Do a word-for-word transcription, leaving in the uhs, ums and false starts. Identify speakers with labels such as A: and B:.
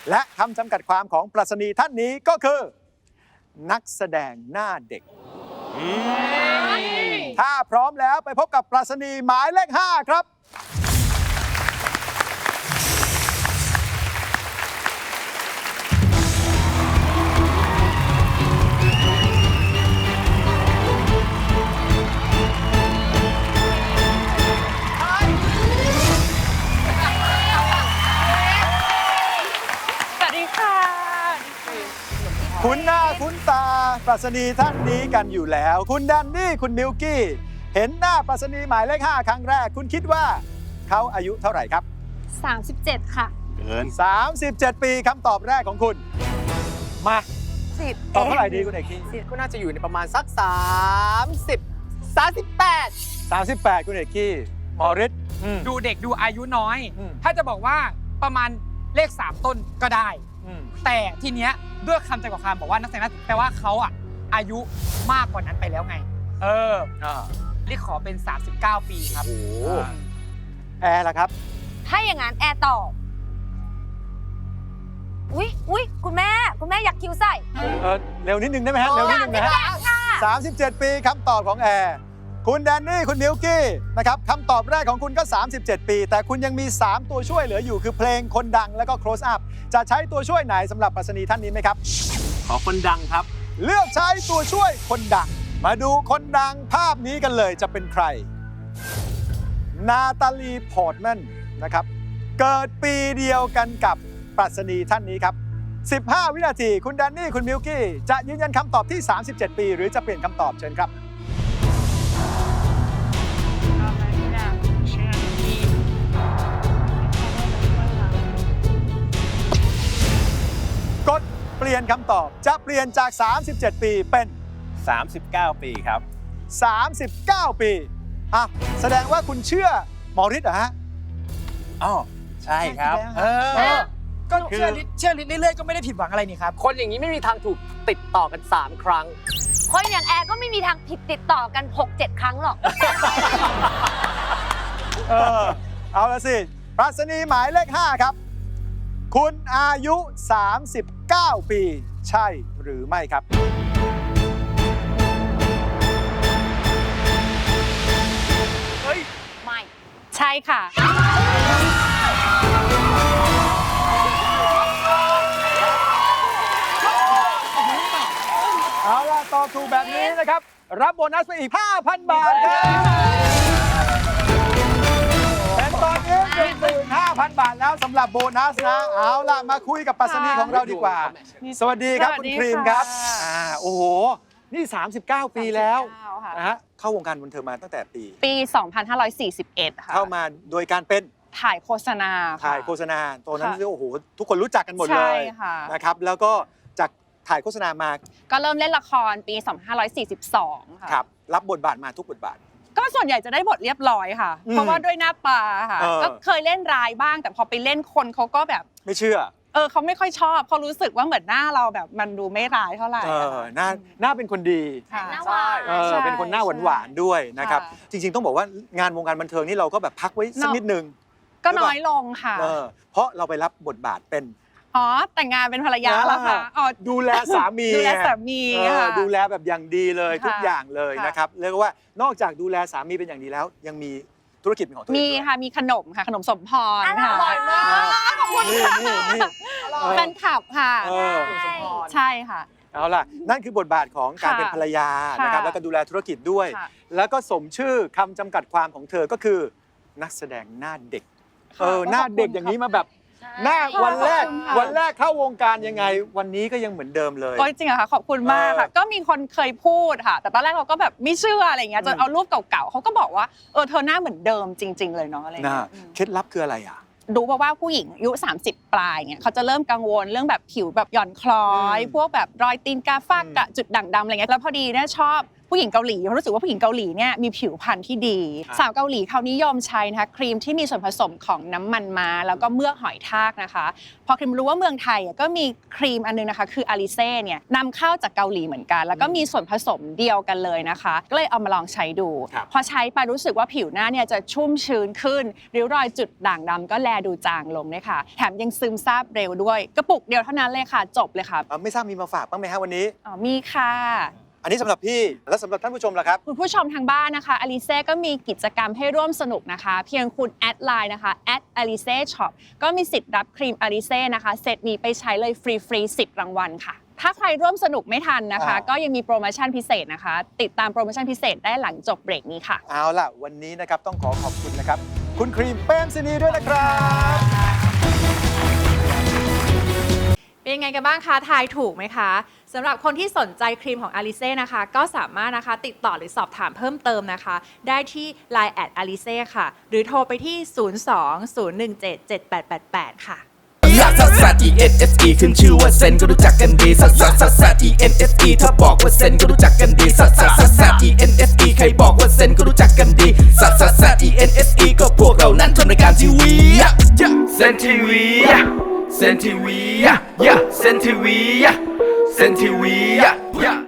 A: และคำจำกัดความของปรัชนีท่านนี้ก็คือ นักแสดงหน้าเด็ก ถ้าพร้อมแล้วไปพบกับปรัชนีหมายเลขห้าครับคุ้นหน้าคุ้นตาปรัชนีท่านนี้กันอยู่แล้วคุณแดนนี่คุณมิลกี้เห็นหน้าปรัชนีหมายเลขห้าครั้งแรกคุณคิดว่าเขาอายุเท่าไหร่ครับ
B: สามสิบเจ็ดค่ะ
A: เกินสามสิบเจ็ดปีคำตอบแรกของคุณมา
B: สิบ
A: ตอบเท่าไหร่ดีคุณเอกกี้
C: ก็น่าจะอยู่ในประมาณสักสามสิบ สามสิบแปด
A: สามสิบแปดคุณเอกกี้หมอฤทธิ์
D: ดูเด็กดูอายุน้อย ถ้าจะบอกว่าประมาณเลขสามต้นก็ได้แต่ทีเนี้ยด้วยคำจำกัดความบอกว่านักแสดงนั้นแปลว่าเขาอ่ะอายุมากกว่านั้นไปแล้วไงเออเรียกขอเป็นสามสิบเก้าปีครับ
A: โอ้แอร์ล่ะครับ
B: ถ้าอย่างนั้นแอร์ตอบอุ๊ยอุ๊ยคุณแม่คุณแม่อยากคิวใส่
A: เออเร็วนิดนึงได้ไหมฮะเร็วนิดนึงนะฮะสามสิบเจ็ดปีคำตอบของแอร์คุณแดนนี่คุณมิลกี้นะครับคำตอบแรกของคุณก็สามสิบเจ็ดปีแต่คุณยังมีสามตัวช่วยเหลืออยู่คือเพลงคนดังแล้วก็ close up จะใช้ตัวช่วยไหนสำหรับปรัชนีท่านนี้ไหมครับ
C: ขอคนดังครับ
A: เลือกใช้ตัวช่วยคนดังมาดูคนดังภาพนี้กันเลยจะเป็นใครนาตาลีพอร์ตแมนนะครับเกิดปีเดียวกันกับปรัชนีท่านนี้ครับสิบห้าวินาทีคุณแดนนี่คุณมิลกี้จะยืนยันคำตอบที่สามสิบเจ็ดปีหรือจะเปลี่ยนคำตอบเชิญครับกดเปลี่ยนคำตอบจะเปลี่ยนจากสามสิบเจ็ดปีเป็น
C: สามสิบเก้าปีครับ
A: สามสิบเก้าปีอ่ะแสดงว่าคุณเชื่อหมอฤทธิ์เหรอฮะ
C: อ๋อใช่ครับเออ
D: ก็เชื่อฤทธิ์เชื่อฤทธิ์เรื่อยๆก็ไม่ได้ผิดหวังอะไรนี่ครับ
C: คนอย่างนี้ไม่มีทางถูกติดต่อกันสามครั้ง
B: คนอย่างแอร์ก็ไม่มีทางผิดติดต่อกัน หกเจ็ด ครั้งหรอก
A: เออเอาละสิปรัชนีหมายเลขห้าครับคุณอายุสามสิบเก้าปีใช่หรือไม่ครับ
B: เฮ้ยไม่ใช่ค่ะ
A: เอาล่ะตอบถูกแบบนี้นะครับรับโบนัสไปอีก ห้าพัน บาทครับเป็นตอนนี้ หนึ่งหมื่นห้าพัน บาทแล้วสำหรับโบนัสนะเอาล่ะมาคุยกับปรัชนีของเราดีกว่าสวัสดีครับคุณครีมครับอ่าโอ้โหนี่สามสิบเก้าปีแล้วนะฮะเข้าวงการบันเทิงมาตั้งแต่ปี
E: ปีสองพันห้าร้อยสี่สิบเอ็ดค่ะ
A: เข้ามาโดยการเป็น
E: ถ่ายโฆษณา
A: ถ่ายโฆษณาตอนนั้นโอ้โหทุกคนรู้จักกันหมดเลยนะครับแล้วก็จากถ่ายโฆษณามา
E: ก็เริ่มเล่นละครปีสองพันห้าร้อยสี่สิบสองค่ะ
A: ครับรับบทบาทมาทุกบทบาท
E: ก็ส่วนใหญ่จะได้บทเรียบร้อยค่ะเพราะว่าด้วยหน้าตาค่ะก็เคยเล่นร้ายบ้างแต่พอไปเล่นคนเขาก็แบบ
A: ไม่เชื่อ
E: เออเขาไม่ค่อยชอบเขารู้สึกว่าเหมือนหน้าเราแบบมันดูไม่ร้ายเท่าไหร่
A: เออหน้าหน้าเป็นคนดี
B: หน้าหวาน
A: เออเป็นคนหน้าหวานหวานด้วยนะครับจริงๆต้องบอกว่างานวงการบันเทิงนี่เราก็แบบพักไว้สักนิดนึง
E: ก็น้อยลงค่ะ
A: เพราะเราไปรับบทบาทเป็น
E: อ๋อแต่งงานเป็นภรรยาแล้วค่ะอ๋อ
A: ดูแลสามี
E: ดูแลสามีค่ะ
A: ดูแลแบบอย่างดีเลยทุกอย่างเลยนะครับเรียกว่านอกจากดูแลสามีเป็นอย่างดีแล้วยังมีธุรกิจของตัวเอง
E: มีค่ะมีขนมค่ะขนมสมพรค่ะ
B: อร่อยมากขอบคุณ
A: ค่ะ
E: แฟนคลับค่ะใช่ค่ะ
A: เอาล่ะนั่นคือบทบาทของการเป็นภรรยานะครับแล้วก็ดูแลธุรกิจด้วยแล้วก็สมชื่อคำจำกัดความของเธอก็คือนักแสดงหน้าเด็กเออหน้าเด็กอย่างนี้มาแบบหน้าวันแรกวันแรกเข้าวงการยังไงวันนี้ก็ยังเหมือนเดิมเลย
E: ก็จริงอะค่ะขอบคุณมากค่ะก็มีคนเคยพูดค่ะแต่ตอนแรกเราก็แบบไม่เชื่ออะไรอย่างเงี้ยจนเอารูปเก่าๆเขาก็บอกว่าเออเธอหน้าเหมือนเดิมจริงๆเลยเนาะอะไรอย่างเงี้ย
A: เคล็ดลับคืออะไรอ่ะ
E: ดูเพราะว่าผู้หญิงอายุสามสิบปลายเงี้ยเขาจะเริ่มกังวลเรื่องแบบผิวแบบหย่อนคล้อยพวกแบบรอยตีนกาฟ้ากระจุดด่างดำอะไรเงี้ยแล้วพอดีเนี่ยชอบผู้หญิงเกาหลีเพราะรู้สึกว่าผู้หญิงเกาหลีเนี่ยมีผิวพรรณที่ดี สาวเกาหลีเขานิยมใช้นะคะครีมที่มีส่วนผสมของน้ำมันม้าแล้วก็เมือกหอยทากนะคะพอครีมรู้ว่าเมืองไทยก็มีครีมอันนึงนะคะคืออาลิเซ่เนี่ยนำเข้าจากเกาหลีเหมือนกันแล้วก็มีส่วนผสมเดียวกันเลยนะคะก็เลยเอามาลองใช้ดูพอใช้ไปรู้สึกว่าผิวหน้าเนี่ยจะชุ่มชื้นขึ้นริ้วรอยจุดด่างดำก็แลดูจางลงเลยค่ะแถมยังซึมซาบเร็วด้วยกระปุกเดียวเท่านั้นเลยค่ะจบเลยค่ะ
A: ไม่ทราบมีมาฝากบ้างไหมฮะวันนี้
E: อ๋อมีค่ะ
A: อันนี้สำหรับพี่และสำหรับท่านผู้ชมล่ะครับ
E: คุณผู้ชมทางบ้านนะคะอลิเซ่ก็มีกิจกรรมให้ร่วมสนุกนะคะ เพียงคุณแอดไลน์นะคะแอดอลิเซ่ช็อปก็มีสิทธิ์รับครีมอลิเซ่นะคะเซตนี้ไปใช้เลยฟรีฟรีสิบรางวัลค่ะ ถ้าใครร่วมสนุกไม่ทันนะคะ
A: อ่า
E: ก็ยังมีโปรโมชั่นพิเศษนะคะ ติดตามโปรโมชั่นพิเศษได้หลังจบเบรกนี้ค่ะ
A: เอาล่ะวันนี้นะครับต้องขอขอบคุณนะครับคุณครีมเปรมศินีด้วยนะครับ
F: เป็นยังไงกันบ้างคะทายถูกไหมคะสำหรับคนที่สนใจครีมของ Alice นะคะก็สามารถนะคะติดต่อหรือสอบถามเพิ่มเติมนะคะ ได้ที่ ไลน์ แอท Alice ค่ะ หรือโทรไปที่ ศูนย์ สอง ศูนย์ หนึ่ง เจ็ด เจ็ด แปด แปด แปด ค่ะ
G: ซัสซัส E N S E ขึ้นชื่อว่าเซนก็รู้จักกันดีซัสซัสซัสซัส E N S E ถ้าบอกว่าเซนก็รู้จักกันดีซัสซัสซัสซัส E N S E ใครบอกว่าเซนก็รู้จักกันดีซัสซัสซัส E N S E ก็พวกเรานั้นทำรายการทีวีเซนทีวีเซนทีวีเซนทีวีเซนทีวี